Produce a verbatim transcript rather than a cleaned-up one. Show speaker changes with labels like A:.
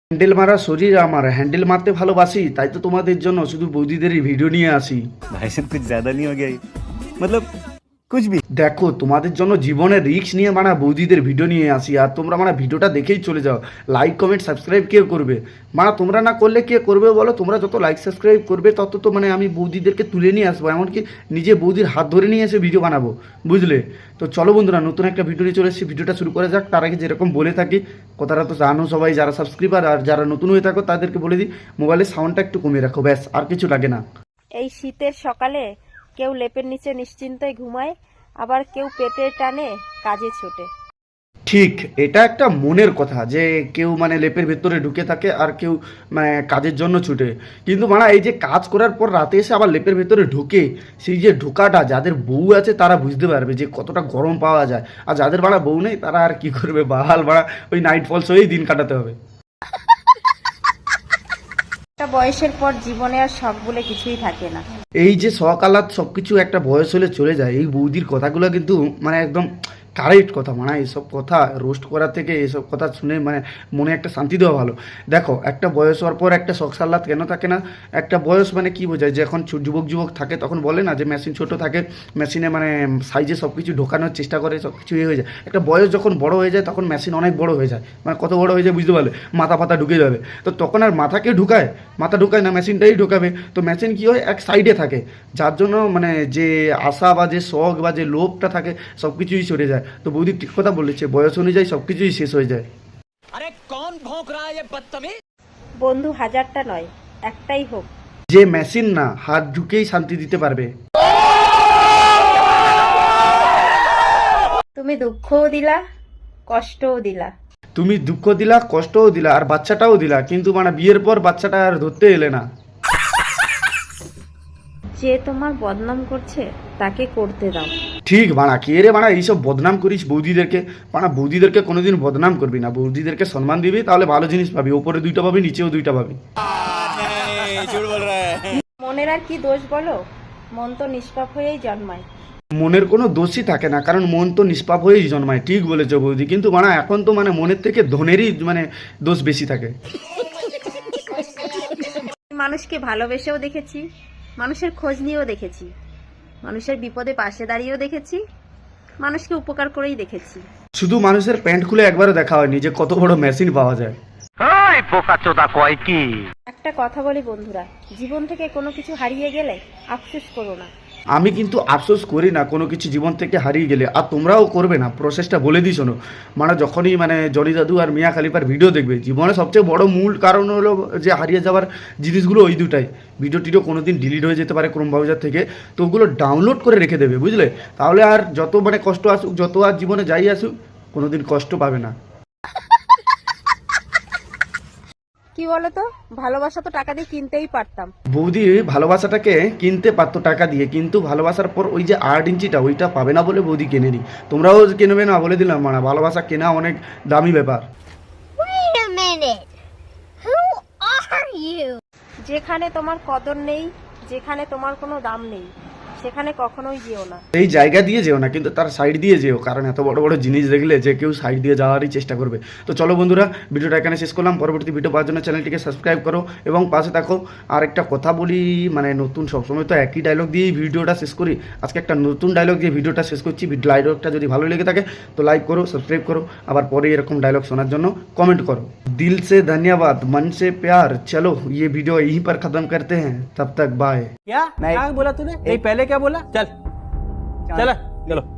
A: Handle মারা শরীর আমার, হ্যান্ডেল মারতে ভালোবাসি, তাই তো তোমাদের জন্য শুধু বৌদিদেরই ভিডিও নিয়ে আসি।
B: भाई साहब कुछ ज्यादा नहीं हो गया ये? मतलब कुछ भी।
A: দেখো তোমাদের জন্য জীবনের রিস্ক নিয়ে মানে বৌদিদের ভিডিও নিয়ে আসি, আর তোমরা মানে ভিডিওটা দেখেই চলে যাও। লাইক কমেন্ট সাবস্ক্রাইব কে করবে? মানে তোমরা না করলে কে করবে বলো? তোমরা যত লাইক সাবস্ক্রাইব করবে তত তো মানে আমি বৌদিদেরকে তুলে নিয়ে আসবো, এমনকি নিজে বৌদির হাত ধরে নিয়ে এসে ভিডিও বানাবো, বুঝলে? তো চলো বন্ধুরা, নতুন একটা ভিডিও নিয়ে চলে এসেছি। ভিডিওটা শুরু করে যাক। তার আগে যেরকম বলে থাকি, কথাটা তো জানো সবাই, যারা সাবস্ক্রাইবার আর যারা নতুন হয়ে থাকো তাদেরকে বলে দিই, মোবাইলের সাউন্ডটা একটু কমিয়ে রাখো, ব্যাস, আর কিছু লাগে না।
C: এই শীতের সকালে কেউ লেপের নিচে নিশ্চিন্তায় ঘুমায়, আবার কেউ পেটের টানে কাজে ছোটে।
A: ঠিক, এটা একটা মনের কথা যে কেউ মানে লেপের ভেতরে ঢুকে থাকে আর কেউ মানে কাজের জন্য ছুটে। কিন্তু মানে এই যে কাজ করার পর রাতে এসে আবার লেপের ভেতরে ঢুকে, সেই যে ঢোকাটা যাদের বউ আছে তারা বুঝতে পারবে যে কতটা গরম পাওয়া যায়। আর যাদের বাড়া বউ নেই তারা আর কি করবে, বাহাল বাড়া ওই নাইট ফলস হয়েই দিন কাটাতে হবে।
C: একটা বয়সের পর জীবনে আর শখ বলে কিছুই থাকে না।
A: এই যে সকালাত সব কিছু একটা বয়স হলে চলে যায়, এই বৌদির কথাগুলো কিন্তু মানে একদম কারেক্ট কথা। মানে এইসব কথা রোস্ট করার থেকে এইসব কথা শুনে মানে মনে একটা শান্তি দেওয়া ভালো। দেখো, একটা বয়স হওয়ার পর একটা শখ সাল্লাত কেন থাকে না? একটা বয়স মানে কি বোঝায়, যে এখন ছো- যুবক যুবক থাকে তখন বলে না যে মেশিন ছোট থাকে, মেশিনে মানে সাইজে সব কিছু ঢোকানোর চেষ্টা করে, সব কিছু ইয়ে হয়ে যায়। একটা বয়স যখন বড় হয়ে যায় তখন মেশিন অনেক বড় হয়ে যায়। মানে কত বড় হয়ে যায় বুঝতে পারলে? মাথা ফাতা ঢুকে যাবে। তো তখন আর মাথাকে ঢুকায়, মাথা ঢুকায় না, মেশিনটাই ঢোকাবে। তো মেশিন কি হয়, এক সাইডে থাকে, যার জন্য মানে যে আশা বা যে শখ বা যে লোভটা থাকে সব কিছুই সরে যায়। তো বৌদি ঠিক কথা বলেছে, বয়স অনুযায়ী সব কিছুই শেষ হয়ে যায়।
D: अरे कौन भौंक रहा है ये बदतमीज।
C: বন্ধু হাজারটা নয়, একটাই হোক।
A: যে মেশিন না হাত ঢুকেই শান্তি দিতে পারবে।
C: তুমি দুঃখও দিলা, কষ্টও দিলা।
A: তুমি দুঃখ দিলা, কষ্টও দিলা, আর বাচ্চাটাও দিলা, কিন্তু মানে বিয়ের পর বাচ্চাটা আর ধরতে এলে না।
C: যে তোমার বদনাম করছে তাকে করতে দাও।
A: ঠিক বানা, কে রে বানা এইসব বদনাম করিস বৌদিদেরকে? বানা বৌদিদেরকে কোনোদিন বদনাম করবি না, বৌদিদেরকে সম্মান দিবি, তাহলে ভালো জিনিস পাবি, ওপরে দুইটা পাবি নিচেও দুইটা পাবি।
D: झूठ बोल रहा है।
C: মনের আর কি দোষ বলো, মন তো নিষ্পাপ হয়েই জন্মায়।
A: মনের কোনো দোষই থাকে না, কারণ মন তো নিষ্পাপ হয়েই জন্মায়। ঠিক বলেছ বৌদি, কিন্তু মানে এখন তো মানে মনের থেকে ধনেরই মানে দোষ বেশি থাকে।
C: মানুষকে ভালোবেসেও দেখেছি, মানুষের খোঁজ নিয়েও দেখেছি, মানুষের বিপদে পাশে দাঁড়িয়েও দেখেছি, মানুষকে উপকার করেই দেখেছি।
A: শুধু মানুষের প্যান্ট খুলে একবারও দেখা হয়নি যে কত বড় মেশিন পাওয়া যায়।
C: একটা কথা বলি বন্ধুরা, জীবন থেকে কোনো কিছু হারিয়ে গেলে আফসোস করো না।
A: আমি কিন্তু আফসোস করি না কোনো কিছু জীবন থেকে হারিয়ে গেলে, আর তোমরাও করবে না। প্রসেসটা বলে দিই শোনো। মানে যখনই মানে জনি দাদু আর মিয়া খালিফার ভিডিও দেখবে, জীবনে সবচেয়ে বড় মূল কারণ হলো যে হারিয়ে যাওয়ার জিনিসগুলো ওই দুটাই। ভিডিও টিডিও কোনো দিন ডিলিট হয়ে যেতে পারে ক্রোম ব্রাউজার থেকে, তো ওগুলো ডাউনলোড করে রেখে দেবে, বুঝলে? তাহলে আর যত মানে কষ্ট আসুক, যত আর জীবনে যাই আসুক, কোনো দিন কষ্ট পাবে না।
C: কি বলতো, ভালোবাসা তো টাকা দিয়ে কিনতেই পারতাম।
A: বৌদি ভালোবাসাটাকে কিনতে পারতো টাকা দিয়ে, কিন্তু ভালোবাসার পর ওই যে আট ইঞ্চিটা ওইটা পাবে না বলে বৌদি কেনেনি। তোমরাও কিনবে না বলে দিলাম, মানে ভালোবাসা কেনা অনেক দামি ব্যাপার।
E: Wait a minute. Who are you?
C: যেখানে তোমার কদর নেই, যেখানে তোমার কোনো দাম নেই, সেখানে কখনোই যেও না।
A: এই জায়গা দিয়ে যেও না, কিন্তু তার সাইড দিয়ে যেও, কারণ এত বড় বড় জিনিস দেখলে যে কেউ সাইড দিয়ে যাওয়ারই চেষ্টা করবে। তো চলো বন্ধুরা, ভিডিওটা এখানে শেষ করলাম। পরবর্তী ভিডিও পাওয়ার জন্য চ্যানেলটিকে সাবস্ক্রাইব করো এবং পাশে থাকো। আর একটা কথা বলি, মানে নতুন সবসময় তো একই ডায়লগ দিয়েই ভিডিওটা শেষ করি, আজকে একটা নতুন ডায়লগ দিয়ে ভিডিওটা শেষ করছি। ডায়লগটা যদি ভালো লেগে থাকে তো লাইক করো, সাবস্ক্রাইব করো, আবার পরে এরকম ডায়লগ শোনার জন্য কমেন্ট করো। दिल से धन्यवाद, मन से प्यार। चलो ये वीडियो यहीं पर खत्म करते हैं, तब तक बाय।
D: क्या क्या बोला तूने? नहीं पहले क्या बोला? चल चल चलो।